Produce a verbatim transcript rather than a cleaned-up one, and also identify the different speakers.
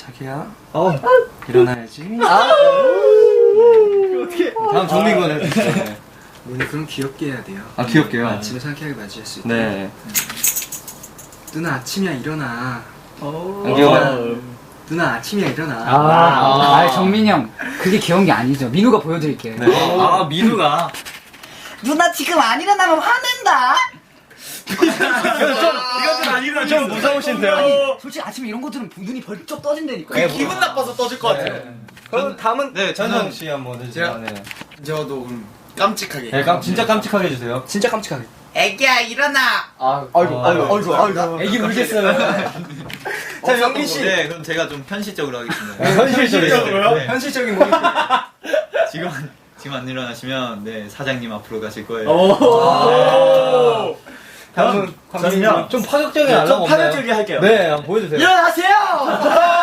Speaker 1: 자기야.
Speaker 2: 어.
Speaker 1: 일어나야지.
Speaker 2: 아. 네. 어떻게?
Speaker 1: 다음 정민군 해주세요. 네.
Speaker 3: 오늘 그럼 귀엽게 해야 돼요.
Speaker 1: 아 귀엽게요.
Speaker 3: 아침에 상쾌하게 맞이할 수 있게.
Speaker 1: 네.
Speaker 3: 누나 아침이야 일어나.
Speaker 1: 안 귀여워.
Speaker 3: 누나 아침이야 일어나.
Speaker 4: 아, 아, 아 정민이 형 그게 귀여운 게 아니죠. 민우가 보여드릴게요.
Speaker 1: 네. 아 민우가.
Speaker 4: 누나 지금 안 일어나면 화낸다.
Speaker 1: 이건 좀 아니구나. 좀 무서우신데요.
Speaker 4: 아니, 솔직히 아침에 이런 거 들으면 눈이 벌쩍 떠진다니까.
Speaker 2: 네, 기분 나빠서 떠질 것 같아요. 그럼 다음은
Speaker 1: 네 전성 씨 한번 해주세요.
Speaker 5: 제가-
Speaker 1: 네.
Speaker 5: 저도 그럼 깜찍하게.
Speaker 1: 네, 깜, 진짜 깜찍하게 해주세요.
Speaker 2: 진짜 깜찍하게.
Speaker 4: 애기야 일어나.
Speaker 2: 아, 아이고, 아이고, 아이고, 아이고.
Speaker 1: 애기 울겠어요.
Speaker 2: 자, 영민 씨.
Speaker 6: 네, 그럼 제가 좀 현실적으로 하겠습니다.
Speaker 1: 현실적이요?
Speaker 6: 네.
Speaker 2: 현실적인 모습.
Speaker 6: 지금 안- 지금 안 일어나시면 네 사장님 앞으로 가실 거예요.
Speaker 2: 오. 다음은
Speaker 1: 저는요 좀 파격적인
Speaker 2: 좀
Speaker 1: 알람 없나요?
Speaker 2: 파격적이게 할게요.
Speaker 1: 네, 한번 보여주세요.
Speaker 2: 일어나세요!